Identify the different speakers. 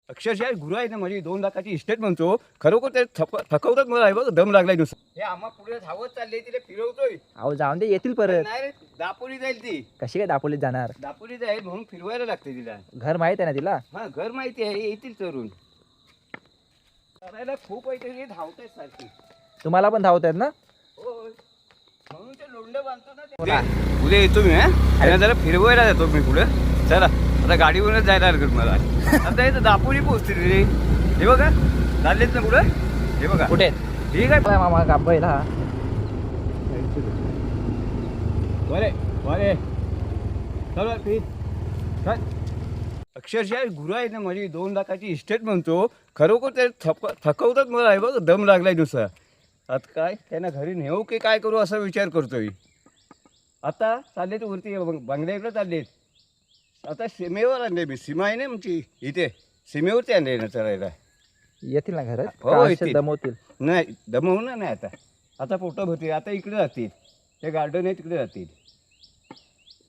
Speaker 1: अक्षरशः गुरु आहे ना माझी 2 लाखाची इस्टेट म्हणतो. खरोखर ते थकवतात मला आहे बघ, दम लागलाय नुसतं. हे आम्हा पुढे धावत चालले तिला फिरवतोय.
Speaker 2: अहो जाऊन दे, येतील परत.
Speaker 1: नाही रे, दापोली जाईल ती.
Speaker 2: कशी काय दापोलीत जाणार?
Speaker 1: दापोली जाईल म्हणून फिरवायला लागते तिला.
Speaker 2: घर माहित आहे ना तिला?
Speaker 1: हा घर माहिती आहे, येतील तरुण. करायला खूप आहे ते धावताय सारखी.
Speaker 2: तुम्हाला पण धावत आहेत ना?
Speaker 1: होय. म्हणून ते लोंढ बांधतो ना ते. उद्या येतो मी. हा जरा फिरवायला जातो मी पुढे. चला आता गाडीवरच जायला लागेल मला. आता इथं दापोली पोहोचते रे. हे बघा चाललेत ना पुढे. हे बघा
Speaker 2: कुठे?
Speaker 1: ठीक आहे
Speaker 2: मामा कापायला हा.
Speaker 1: बरे बरे चला ठीक. अक्षरशः गुरु आहे ना माझी 2 लाखाची इस्टेट म्हणतो. खरोखर ते थकवतात मला आहे बघ, दम लागलाय नुसता. आता काय त्यांना घरी नेऊ की काय करू असा विचार करतोय. आता चाललेत वरती बंगल्याकडे चाललेत. आता सीमेवर आणले मी. सीमा आहे ना आमची इथे, सीमेवरती आणले ना चरायला.
Speaker 2: येतील ना घरात?
Speaker 1: हो,
Speaker 2: का असे
Speaker 1: येतील.
Speaker 2: दमवतील?
Speaker 1: नाही दमवणार नाही आता. आता पोटं भरतील. आता इकडे जातील, ते गार्डन आहे तिकडे जातील.